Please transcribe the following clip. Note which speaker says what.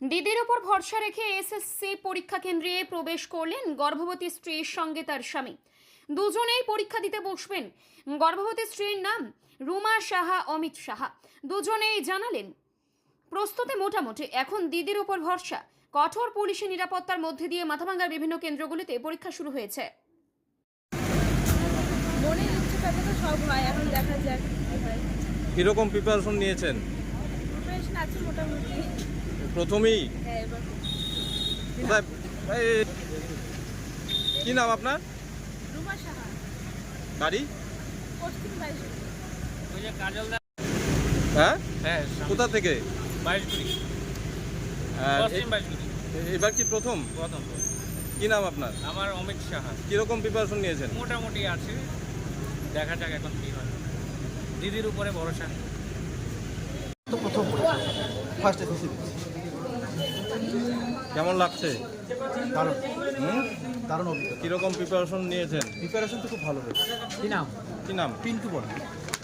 Speaker 1: দিদির ওপর ভরসা রেখে এসএসসি পরীক্ষা কেন্দ্রে প্রবেশ করলেন গর্ভবতী স্ত্রীর সঙ্গে তার স্বামী। দুজনেই পরীক্ষা দিতে বসবেন। গর্ভবতী স্ত্রীর নাম রুমা সাহা, অমিত সাহা। দুজনেই জানালেন প্রস্তুতি মোটামুটি, এখন দিদির ওপর ভরসা। কঠোর পুলিশি নিরাপত্তার মধ্যে দিয়ে মাথাভাঙ্গার বিভিন্ন কেন্দ্রগুলিতে পরীক্ষা শুরু হয়েছে।
Speaker 2: মনে ইচ্ছুক তো সব হয়, এখন দেখা যাক কি হয়।
Speaker 3: কিরকম প্রিপারেশন নিয়েছেন?
Speaker 2: প্রিপারেশন আছে মোটামুটি।
Speaker 3: প্রথমেই
Speaker 2: হ্যাঁ, এবার
Speaker 3: কোথায় কি নাম আপনার?
Speaker 2: রুমা সাহা,
Speaker 3: বাড়ি?
Speaker 2: পশ্চিম বাইশে।
Speaker 4: ওই যে কাজলদা।
Speaker 3: হ্যাঁ,
Speaker 4: হ্যাঁ,
Speaker 3: কোথা থেকে?
Speaker 4: বাইশগুড়ি,
Speaker 3: আর
Speaker 4: পশ্চিম বাইশগুড়ি।
Speaker 3: এবার কি প্রথম?
Speaker 4: প্রথম।
Speaker 3: কি নাম আপনার?
Speaker 4: আমার অমিত সাহা।
Speaker 3: কিরকম প্রিপারেশন নিয়েছেন?
Speaker 4: মোটামুটি আছে, দেখা যাক এখন কি হয়। দিদির উপরে ভরসা।
Speaker 5: তো প্রথম ফার্স্ট এসএসসি
Speaker 3: কেমন লাগছে?
Speaker 5: দারুণ
Speaker 3: হুম,
Speaker 5: দারুণ অভিজ্ঞতা।
Speaker 3: কিরকম প্রিপারেশন নিয়েছেন?
Speaker 5: প্রিপারেশন তো খুব ভালো হয়েছে।
Speaker 4: কি নাম?
Speaker 3: কি নাম?
Speaker 5: পিন্টু বর্মা।